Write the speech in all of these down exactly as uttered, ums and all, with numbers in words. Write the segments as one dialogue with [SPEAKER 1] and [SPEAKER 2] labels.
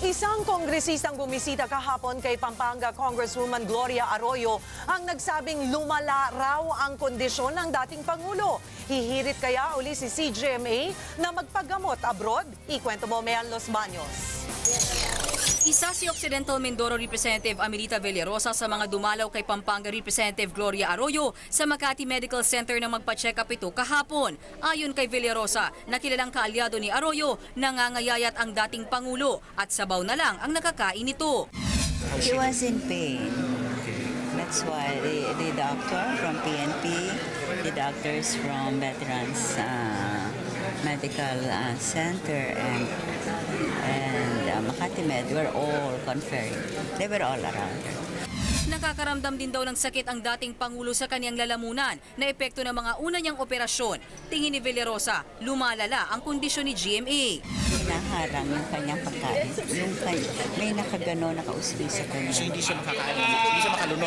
[SPEAKER 1] Isang kongresistang bumisita kahapon kay Pampanga Congresswoman Gloria Arroyo ang nagsabing lumala raw ang kondisyon ng dating Pangulo. Hihirit kaya uli si C G M A na magpagamot abroad? Ikwento mo, Mean Los Baños.
[SPEAKER 2] Isa si Occidental Mindoro Representative Amelita Villarosa sa mga dumalaw kay Pampanga Representative Gloria Arroyo sa Makati Medical Center na magpa-check up ito kahapon. Ayon kay Villarosa, nakilalang kaalyado ni Arroyo, nangangayayat ang dating Pangulo at sabaw na lang ang nakakain nito.
[SPEAKER 3] He was in pain. That's why the, the doctor from P N P, the doctors from Veterans uh, Medical uh, Center and and uh, Makati Med were all conferring. They were all around her.
[SPEAKER 2] Nakakaramdam din daw ng sakit ang dating Pangulo sa kanyang lalamunan na epekto ng mga una niyang operasyon. Tingin ni Villarosa, lumalala ang kondisyon ni G M A.
[SPEAKER 3] Hinaharang yung kanyang pagkain. Yung kay, may nakagano, nakausli sa kanya.
[SPEAKER 4] So hindi siya makakain, hindi siya makalunok.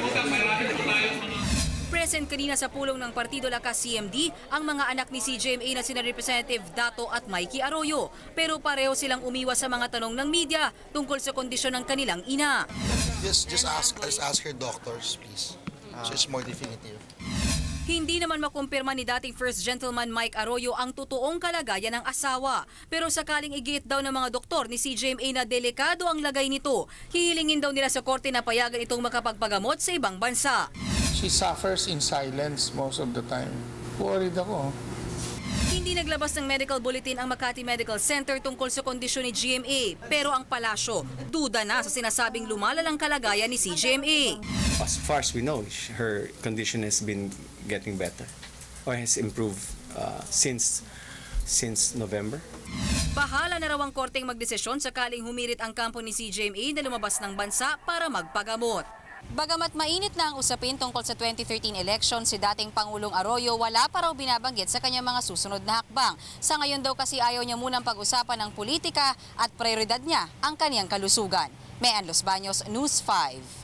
[SPEAKER 2] Present kanina sa pulong ng Partido Lakas C M D ang mga anak ni C G M A na sina Representative Dato at Mikey Arroyo. Pero pareho silang umiwas sa mga tanong ng media tungkol sa kondisyon ng kanilang ina.
[SPEAKER 4] Just, just ask, just ask your doctors, please. So it's more definitive.
[SPEAKER 2] Hindi naman makumpirma ni dating First Gentleman Mike Arroyo ang totoong kalagayan ng asawa. Pero sakaling igiit daw ng mga doktor ni C G M A na delikado ang lagay nito, hihilingin daw nila sa korte na payagan itong makapagpagamot sa ibang bansa.
[SPEAKER 5] She suffers in silence most of the time. Worried ako.
[SPEAKER 2] Hindi naglabas ng medical bulletin ang Makati Medical Center tungkol sa kondisyon ni G M A. Pero ang palasyo, duda na sa sinasabing lumalalang kalagayan ni C G M A.
[SPEAKER 6] As far as we know, her condition has been getting better or has improved uh, since since November.
[SPEAKER 2] Bahala na raw ang korteng magdesisyon sakaling humirit ang kampo ni C G M A na lumabas ng bansa para magpagamot. Bagamat mainit na ang usapin tungkol sa twenty thirteen election, si dating Pangulong Arroyo wala pa raw binabanggit sa kanyang mga susunod na hakbang. Sa ngayon daw kasi ayaw niya munang pag-usapan ng politika at prioridad niya ang kaniyang kalusugan. Mean Los Baños, News five.